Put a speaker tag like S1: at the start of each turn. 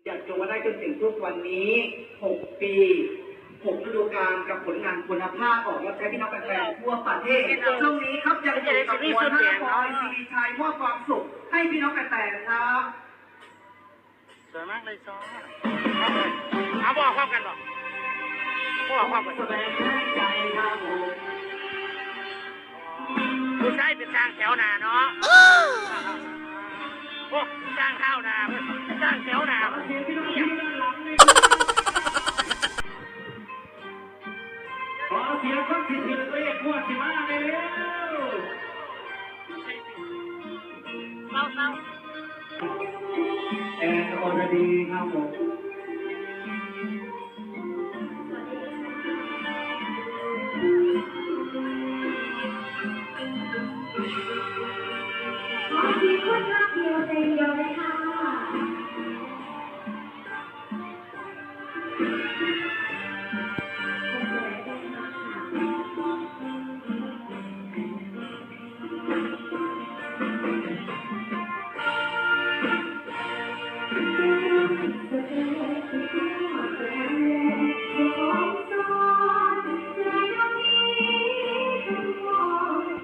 S1: อยากจงมาได้จนถึงทุกวันนี้6 ปี6 ฤดูกาลกับผลงานคุณภาพออกรับใช้พี่น้องแฟนๆทั่วประเทศช่วงนี้ครับยังอยู่กับมวลห้าปอยซีดีชัยมอบความสุขให้พี่น้องแฟนๆครับ
S2: สวยมากเลยซ้อเอาบอกความกันบอกความกัน
S1: แสดงใจครับผม
S2: ผู้ชายเป็นสร้างแถวหนาเนาะโอ้สร้างข้าวหนาสร้างแถวหนา
S1: ขอเสียงคนที่ถือเลขงวดที่มาได้เร็ว
S2: เศร้า
S1: แอนอรดีครับผม
S3: ขอทีคนรักเดียวใจเดียวเลยค่ะ